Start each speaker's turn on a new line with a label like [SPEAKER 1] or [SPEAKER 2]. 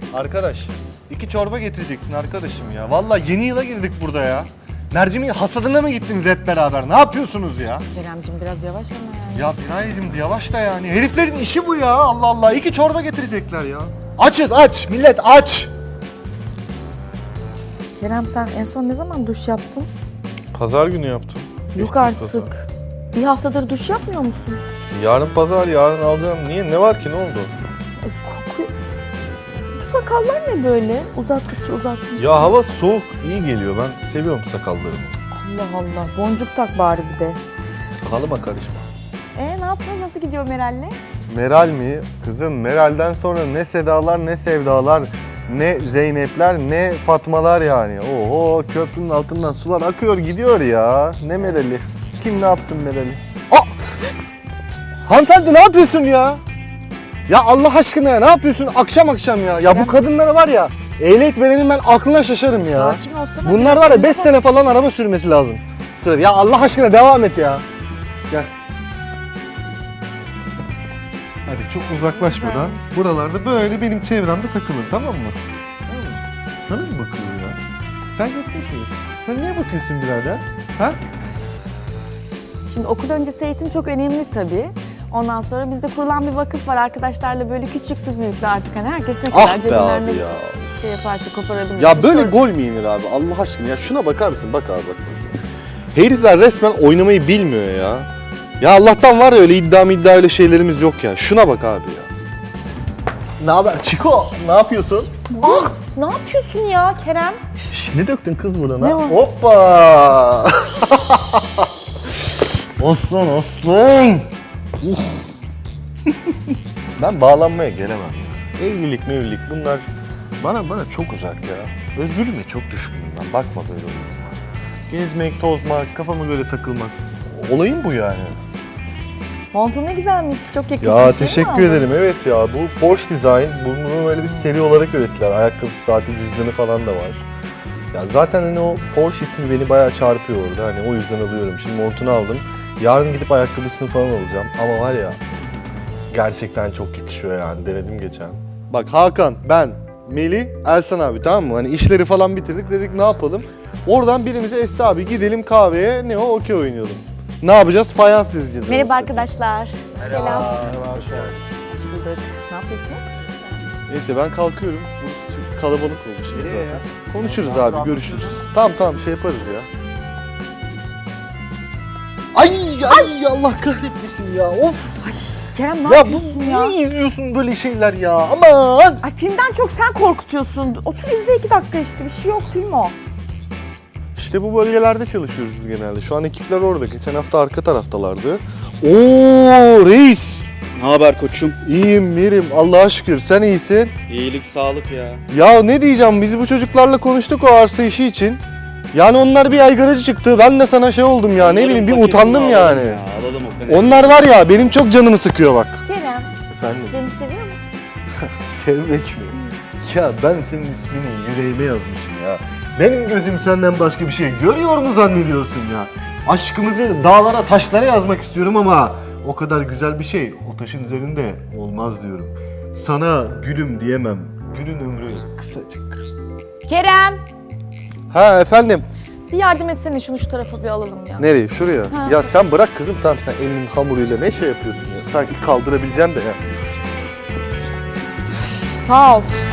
[SPEAKER 1] Arkadaş, 2 çorba getireceksin arkadaşım ya. Vallahi yeni yıla girdik burada ya. Mercimeğin hasadına mı gittiniz hep beraber? Ne yapıyorsunuz ya?
[SPEAKER 2] Keremcim biraz yavaş ama yani.
[SPEAKER 1] Ya Binayet'im yavaş da yani. Heriflerin işi bu ya. Allah Allah. 2 çorba getirecekler ya. Açız aç. Millet aç.
[SPEAKER 2] Kerem sen en son ne zaman duş yaptın?
[SPEAKER 3] Pazar günü yaptım.
[SPEAKER 2] Yok artık. Bir haftadır duş yapmıyor musun?
[SPEAKER 3] Yarın pazar, yarın alacağım. Niye? Ne var ki? Ne oldu?
[SPEAKER 2] Of kokuyor. Bu sakallar ne böyle? Uzattıkça uzatmışsın.
[SPEAKER 3] Ya hava soğuk, iyi geliyor. Ben seviyorum sakallarımı.
[SPEAKER 2] Allah Allah. Boncuk tak bari bir de.
[SPEAKER 3] Sakalıma karışma.
[SPEAKER 2] Ne yapıyorsun? Nasıl gidiyor Meral'le?
[SPEAKER 1] Meral mi? Kızım Meral'den sonra ne Sedalar ne Sevdalar, ne Zeynepler ne Fatmalar yani. Oho köprünün altından sular akıyor gidiyor ya. Ne Meral'i? Kim ne yapsın Meral'i? Aa! Hanımefendi ne yapıyorsun ya? Ya Allah aşkına ya ne yapıyorsun akşam akşam ya? Ya bu kadınlara var ya ehliyet verenin ben aklına şaşarım ya.
[SPEAKER 2] Sakin olsana.
[SPEAKER 1] Bunlar var ya 5 sene falan araba sürmesi lazım. Ya Allah aşkına devam et ya. Gel. Hadi çok uzaklaşmadan buralarda böyle benim çevremde takılın tamam mı? Tamam mı? Sana mı bakıyor ya? Sen gösteriyorsun. Sen niye bakıyorsun birader? Ha?
[SPEAKER 2] Şimdi okul öncesi eğitim çok önemli tabii. Ondan sonra bizde kurulan bir vakıf var. Arkadaşlarla böyle küçüklü büyüklü artık hani herkes ne kadar
[SPEAKER 1] Ah be
[SPEAKER 2] cebinden
[SPEAKER 1] abi
[SPEAKER 2] ne
[SPEAKER 1] ya.
[SPEAKER 2] şey yaparsa koparabilir.
[SPEAKER 1] Ya böyle gol mü yenir abi? Allah aşkına ya şuna bakar mısın? Bak abi bak. Herifler resmen oynamayı bilmiyor ya. Ya Allah'tan var ya öyle iddia öyle şeylerimiz yok ya. Şuna bak abi ya. Ne haber Çiko? Ne yapıyorsun?
[SPEAKER 2] Ah, ne yapıyorsun ya Kerem?
[SPEAKER 1] Şş, ne döktün kız burana?
[SPEAKER 2] Ne var?
[SPEAKER 1] Hoppa! Aslan aslan! Ben bağlanmaya gelemem. Evlilik mevlilik bunlar bana çok uzak ya. Özgürlüğüme çok düşkünüm ben. Bakma böyle oyunuma. Gezmek, tozmak, kafama göre takılmak. Olayım bu yani.
[SPEAKER 2] Montun ne güzelmiş. Çok yakışmış.
[SPEAKER 1] Ya
[SPEAKER 2] değil mi
[SPEAKER 1] teşekkür
[SPEAKER 2] abi?
[SPEAKER 1] ederim. Evet ya bu Porsche Design. Bunu böyle bir seri olarak ürettiler. Ayakkabı, saati, cüzdanı falan da var. Ya zaten hani o Porsche ismi beni bayağı çarpıyor orada. Hani o yüzden alıyorum. Şimdi montunu aldım. Yarın gidip ayakkabısını falan alacağım. Ama var ya gerçekten çok yakışıyor yani. Denedim geçen. Bak Hakan, ben, Melih, Ersan abi tamam mı? Hani işleri falan bitirdik. Dedik ne yapalım? Oradan birimize Esra abi gidelim kahveye. Ne o? Okey oynayalım. Ne yapacağız? Fayans dizeceğiz.
[SPEAKER 2] Merhaba arkadaşlar. Selam.
[SPEAKER 1] Merhaba.
[SPEAKER 2] Hoş bulduk. Ne yapıyorsunuz?
[SPEAKER 1] Neyse ben kalkıyorum. Burası çok kalabalık olmuş zaten. Konuşuruz abi, görüşürüz. Tamam şey yaparız ya. Ay Allah kahretmesin ya. Of.
[SPEAKER 2] Kerem ne yapıyorsun ya?
[SPEAKER 1] Niye izliyorsun böyle şeyler ya? Aman.
[SPEAKER 2] Ay filmden çok sen korkutuyorsun. Otur izle 2 dakika işte. Bir şey yok film o.
[SPEAKER 1] İşte bu bölgelerde çalışıyoruz biz genelde. Şu an ekipler orada. Geçen hafta arka taraftalardı. Oo reis.
[SPEAKER 4] Ne haber koçum?
[SPEAKER 1] İyiyim Mirim. Allah'a şükür. Sen iyisin.
[SPEAKER 4] İyilik, sağlık ya.
[SPEAKER 1] Ya ne diyeceğim? Biz bu çocuklarla konuştuk o arsa işi için. Yani onlar bir aygaracı çıktı. Ben de sana şey oldum ya. Ne bileyim bir utandım yani.
[SPEAKER 4] Ya, alalım o kadar.
[SPEAKER 1] Onlar var ya benim çok canımı sıkıyor bak.
[SPEAKER 2] Kerem
[SPEAKER 1] Efendim?
[SPEAKER 2] beni seviyor musun?
[SPEAKER 1] Sevmek mi? Ya ben senin ismini yüreğime yazmışım ya. Benim gözüm senden başka bir şey görüyor mu zannediyorsun ya? Aşkımızı dağlara taşlara yazmak istiyorum ama o kadar güzel bir şey o taşın üzerinde olmaz diyorum. Sana gülüm diyemem. Gülün ömrü kısacık.
[SPEAKER 2] Kerem
[SPEAKER 1] Ha efendim.
[SPEAKER 2] bir yardım etsene şunu şu tarafa bir alalım ya.
[SPEAKER 1] Nereye? Şuraya.
[SPEAKER 2] Ha.
[SPEAKER 1] Ya sen bırak kızım tamam sen elinin hamuruyla ne şey yapıyorsun ya? Sanki kaldırabileceğim de ya.
[SPEAKER 2] Sağ ol.